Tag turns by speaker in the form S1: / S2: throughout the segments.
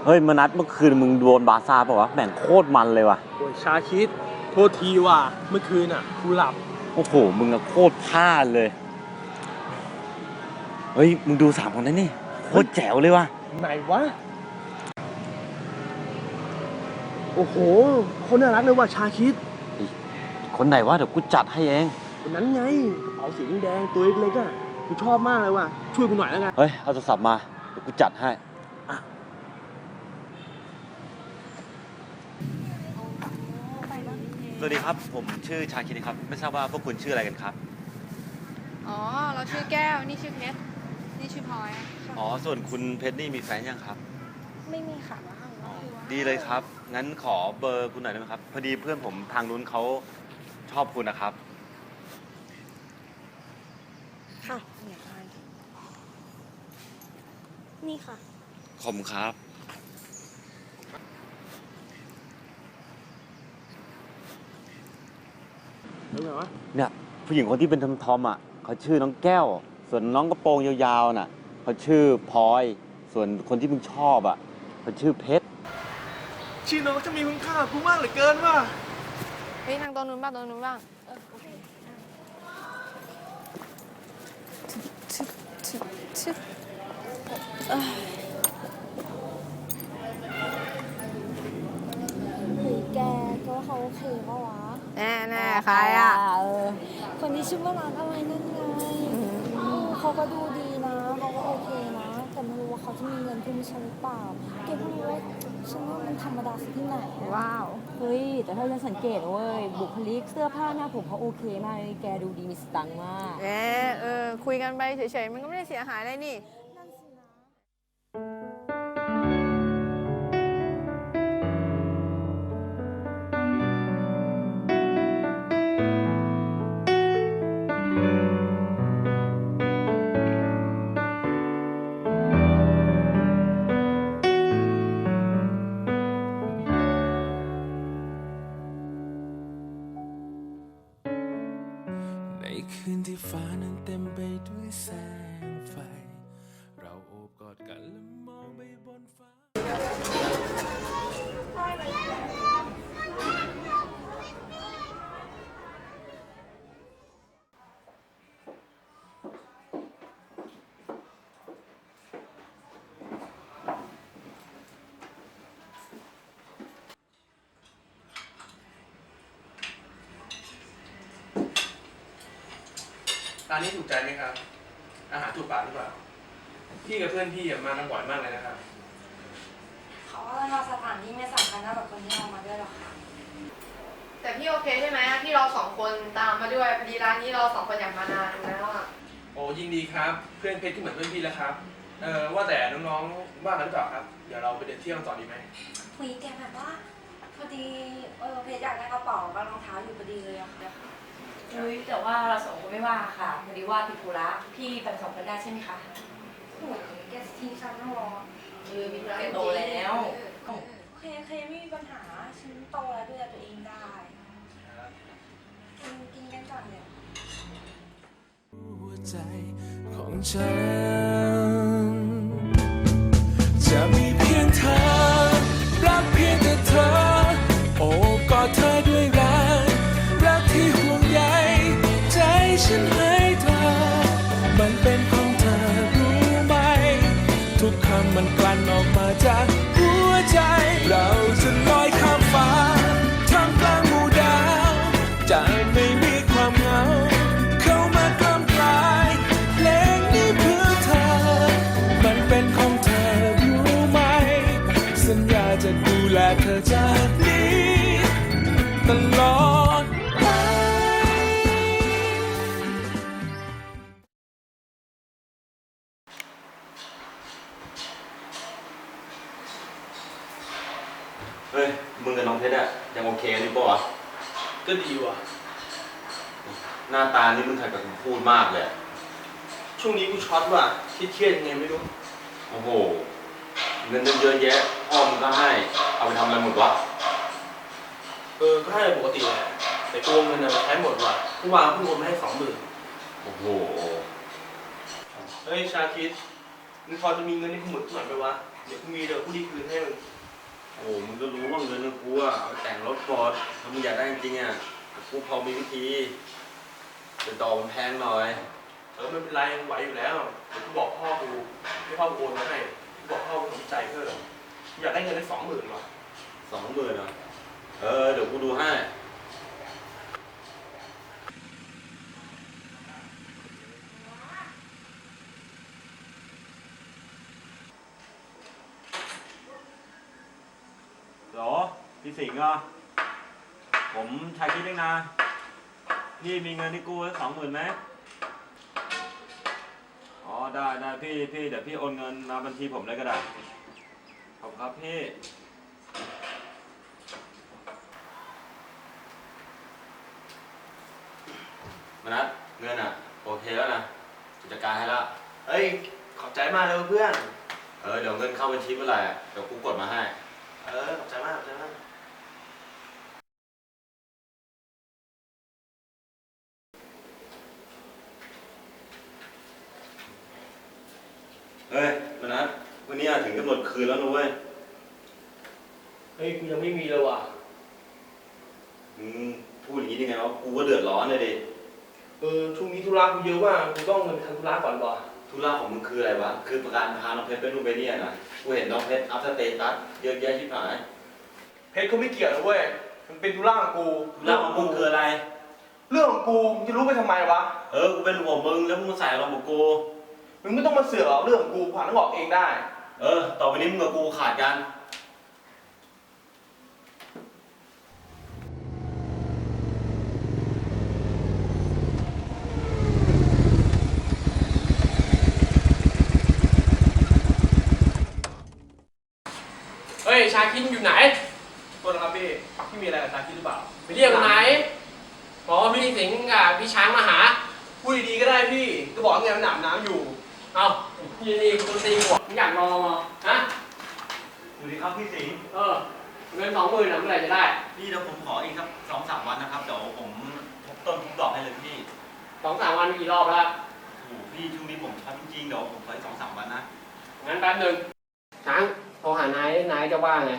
S1: เฮ้ยมานัดเมื่อคืนมึงโดนบาซ่าป่าววะแม่งโคตรมันเลยว่ะ
S2: โอ้ยชาคิดโทษทีว่ะเมื่อคืนอ่ะกูหลับ
S1: โอ้โหมึงอะโคตรพลาดเลยเฮ้ยมึงดู3 คนนั้นนี่โคตรแจ๋วเลยว่ะ
S2: ไหนวะโอ้โหคนน่ารักเลยว่ะชาคิด
S1: คนไหนวะเดี๋ยวกูจัดให้เอง
S2: คนนั้นไงกระเป๋าสีแดงตัวเล็กๆอ่ะกูชอบมากเลยว่ะช่วยกูหน่อยแล้วกัน
S1: เฮ้ยเอาโทรศัพท์มาเดี๋ยวกูจัดให้สวัสดีครับผมชื่อชาคิดครับไม่ทราบว่าพวกคุณชื่ออะไรกันครับ
S3: อ๋อเราชื่อแก้วนี่ชื่อเพชรนี่ชื่อพลอย
S1: อ๋อส่วนคุณเพชรนี่มีแฟนยังครับ
S3: ไม่มีค่ะ
S1: ดีเลยครับงั้นขอเบอร์คุณหน่อยได้ไหมครับพอดีเพื่อนผมทางนู้นเขาชอบคุณนะครับ
S3: ค่ะนี่ค่ะ
S1: ขอบคุณครับเนี่ยผู้หญิงคนที่เป็นทอมอ่ะเขาชื่อน้องแก้วส่วนน้องกระโปรงยาวๆน่ะเขาชื่อพลอยส่วนคนที่มึงชอบอ่ะเขาชื่อเพชร
S2: ชื่อน้องจะมีคุณค่ากูมากเหลือเกินว่ะ
S3: เฮ้ยทางตรงนู้นบ้าง
S4: แกก็เขาโอเคปะวะ
S3: แน่ใครอ่ะ
S4: คนที่ชื่อว่าร้านอะไรนั่นไงเขาก็ดูดีนะเขาก็โอเคนะแต่ไม่รู้ว่าเขาจะมีเงินทุนฉันหรือเปล่าแกเพิ่งรู้ว่าฉันว่ามันธรรมดาสักที่ไหน
S3: ว้าว
S5: เฮ้ยแต่ถ้าฉันสังเกตเว้ยบุคลิกเสื้อผ้าหน้าผมเขาโอเคมากเลยแกดูดีมีสตังค์มาก
S3: คุยกันไปเฉยๆมันก็ไม่ได้เสียหายอะไรนี่
S6: คืนที่ฟ้านั้นเต็มไปด้วยแสงไฟเราโอบกอดกันและมองไปบนฟ้า
S2: ร้านนี้ถูกใจไหมครับอาหารถูกปากหรือเปล่าพี่กับเพื่อนพี่มากันบ่อยมากเลยนะครับ
S4: เขาว่าเราสถานที่ไม่สำคัญเท่ากับคนที่เรามาด้วยหรอกค่ะ
S3: แต่พี่โอเคใช่ไหมที่เรา2 คนตามมาด้วยพอดีร้านนี้เรา2 คนอยากมานานแล้วอ่ะ
S2: โอ้ยินดีครับเพื่อนเพชรก็เหมือนเพื่อนพี่แล้วครับว่าแต่น้องๆว่างกันหรือเปล่าครับเดี๋ยวเราไปเดินเที่ยวกันต่อดีไหม
S4: คุยแกแบบว่าพอดีเพชรอยากได้กระเป๋ากับรองเท้าอยู่พอดีเลยอะค่ะ
S5: แต่ว่าเรา2 คนไม่ว่าค่ะพอดีว่าติดธุระพี่แบ่ง2 คนได้ใช่ไหมคะ
S4: โอ้ยแกทิ้งฉันแล้วหรอ
S5: มีธุระโตแล้ว
S4: โอเคไม่มีปัญหาฉันโตแล้วดูแลตัวเองได้กินกันก่อนเนี่ย
S6: หัวใจของฉันจะมีเพียงเธอรักเพียงแต่เธอโอบกอดเธอด้วยรักที่ห่วงใยใจฉันให้เธอมันเป็นของเธอรู้ไหมทุกคำมันกลั่นออกมาจากหัวใจเราจะลอยข้ามฟ้าท่ามกลางหมู่ดาวจะไม่มีความเหงาเข้ามากล้ำกลายเพลงนี้เพื่อเธอมันเป็นของเธอรู้ไหมสัญญาจะดูแลเธอจากนี้ตลอด
S1: เฮ้ยมึงกับน้องเพชรอะยังโอเคกันอยู่ปะวะ
S2: ก็ดีว่ะ
S1: หน้าตานี่มึงขัดกับคำพูดมากเลย
S2: ช่วงนี้กูช็อตว่ะเครียดยังไงไม่รู้
S1: โอ้โหเงินเยอะแยะพ่อมึงก็ให้เอาไปทำอะไรหมดวะ
S2: ก็ให้ปกติแหละแต่โกงเงินน่ะใช้หมดว่ะเมื่อวานเพิ่งโอนมาให้20,000
S1: โอ้โห
S2: เฮ้ยชาคิดมึงพอจะมีเงินให้กูหมดหน่อยไหมวะเดี๋ยวมีเดี๋ยวกูดีคืนให้มึง
S1: โอ้มึงก็รู้ว่าเงินของกูอ่ะเอาไปแต่งรถฟอร์ดถ้ามึงอยากได้จริงๆอ่ะกูพอมีวิธีแต่ดอกมันแพงหน่อย
S2: ไม่เป็นไรมึงไหวอยู่แล้วเดี๋ยวกูบอกพ่อกูให้พ่อกูโอนมาให้กูบอกพ่อกูสนใจเพิ่มกูอยากได้เงินได้20,000 ว่ะ
S1: 20,000อ่ะเดี๋ยวกูดูให้เหรอพี่สิงห์เหรอผมชายคิดเองนะพี่มีเงินที่กู้ไว้20,000ไหมอ๋อได้พี่เดี๋ยวพี่โอนเงินมาบัญชีผมเลยก็ได้ขอบคุณครับพี่มานัดเงินอ่ะโอเคแล้วนะจัดการให้แล้ว
S2: เฮ้ยขอบใจมากเลยเพื่อน
S1: เดี๋ยวเงินเข้าบัญชีเมื่อไหร่เดี๋ยวกูกดมาให้
S2: ขอบใจมากขอบใจมาก
S1: เฮ้ยมานัดวันนี้ถึงกำหนดคืนแล้วนะเว้ย
S2: เฮ้ยกูยังไม่มีเลยว่ะ
S1: พูดอย่างนี้ได้ไงวะกูก็เดือดร้อนเลยดิ
S2: ช่วงนี้ธุระกูเยอะมากกูต้องเงินไปทำธุระก่อนว่ะ
S1: ธุระของมึงคืออะไรวะคือประกันพาน้องเพชรไปนู่นไปนี่นะกูเห็นน้องเพชรอัพสเตตัสเยอะแยะชิบหาย
S2: เพชรเขาไม่เกี่ยวนะเว้ยมันเป็นธุระของกู
S1: ธุระของมึงคืออะไร
S2: เรื่องของกูมึงจะรู้ไปทำไมวะ
S1: กูเป็นห่วงมึงแล้วมึงมาใส่เราบอกกู
S2: มึงไม่ต้องมาเสือกหรอกเรื่องของกูผ่านต้องออกเองได้
S1: ต่อไปนี้มึงกับกูขาดกัน
S7: เฮ้ย ชาคิดอยู่ไหน
S2: ตัวนะครับพี่มีอะไรกับชาคิดหรือเปล่า
S7: ไปเรียกมันไหนบอกว่าพี่สิงห์กับพี่ช้างมาหา
S2: พูดดีๆก็ได้พี่ก็บอกว่าไงมันหนำน้ำอยู่
S7: เอาพี่นี่คุณตีหัวมึงอยากลองเหรอฮะ
S1: สวัสดีครับพี่สิงห์
S7: เงิน20,000นะเมื่อไหร่จะได้
S1: พี่เดี๋ยวผมขออีกสัก2-3 วันนะครับเดี๋ยวผมทบต้นทบดอกให้เลยพี่
S7: 2-3 วันกี่รอบแล้ว
S1: โอ้พี่ช่วงนี้ผมช็อตจริงๆเดี๋ยวผมขออีก2-3 วันนะ
S7: งั้นแป๊บหนึงช้างโทรหานายจะว่าไง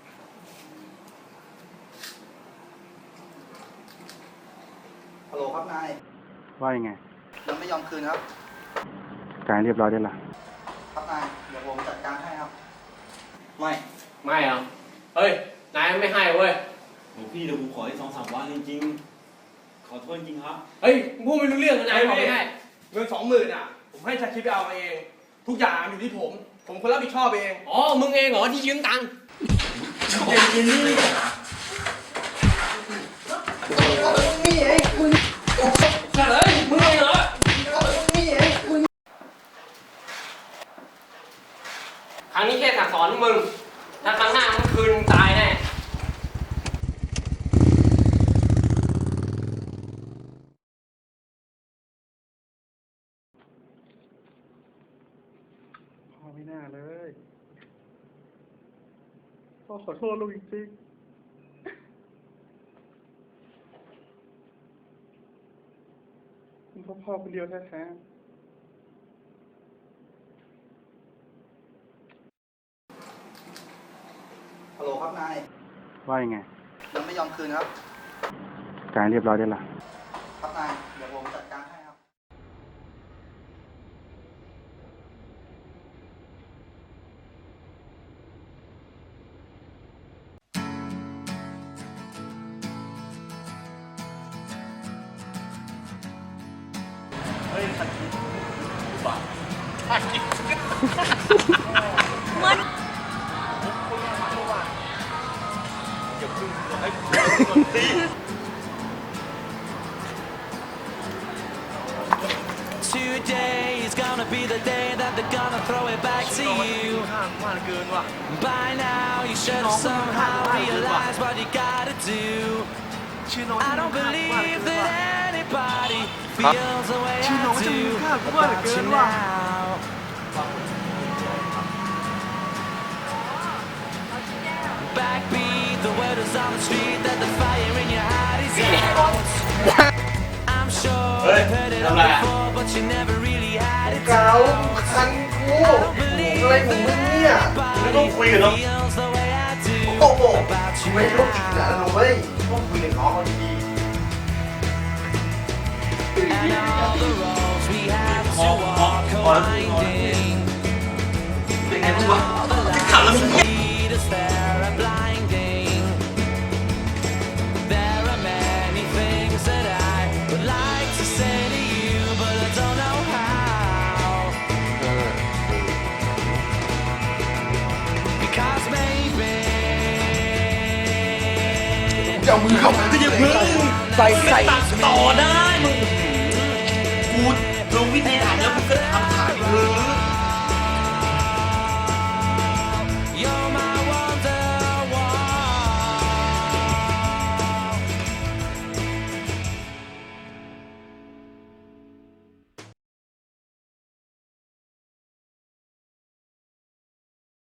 S8: ฮัลโหลครับนาย
S9: ว่ายังไง
S8: ยังไม่ยอมคืนครับ
S9: การเรียบร้อยได้ละ
S8: ครับนาย เดี๋ยวผมจัดการให้ครับ ไม่
S7: ไม่เหรอ เฮ้ย นายไม่ให้เว้ย
S1: โอ้พี่เดี๋ยวผมขออีก2-3 วันจริงๆขอโทษจริงครับ
S7: เฮ้ยมึงพูดไม่รู้เรื่องนะนายบอกไม่ให้
S2: เงิน20,000ผมให้ชาคิดไปเอามาเอง ทุกอย่างอยู่ที่ผมคนรับผิดชอบเอง
S7: อ๋อ มึงเองเหรอที่ยืมตังค์
S1: เย็นๆนี่
S7: เฮ้ย มึงเองเหรอ ครั้งนี้แค่สั่งสอนมึง ถ้าครั้งหน้ามึงคืนมึงตายแน่
S9: พ่อไม่น่าเลย พ่อขอโทษลูกจริงๆพ่อคนเดียวแท้ๆ
S8: ฮัลโหลครับนาย
S9: ว่ายังไง
S8: ยังไม่ยอมคืนครับ
S9: การเรียบร้อยได้ละ
S8: ครับนาย เดี๋ยวผมจัดการให้ครับ
S1: เฮ้ยสักทีบ้า
S6: Today is gonna be the day that they're gonna throw it back to you. By now, you should have somehow realized what you gotta do. I don't believe that anybody feels the way I do about you now. Backbeat, the word is on the street that the fire in your heart is out. I'm sure you've heard it all before, but you never really had it.
S2: อะไรของมึงเนี่ยไม่ต้องคุยกันเนาะโอ้โหไม่ต้องจิกนะลูกเว้ยต้องคุยกับน้องเขาดีๆพอแล้วเป็นไงบ้างวะขับแล้วมึง จะเอามือเข้ามาก็ยังพึ่งใส่ตัดต่อได้มึงกูรู้วิธีทำแล้วมึงก็ทำถ่ายไปเถอะ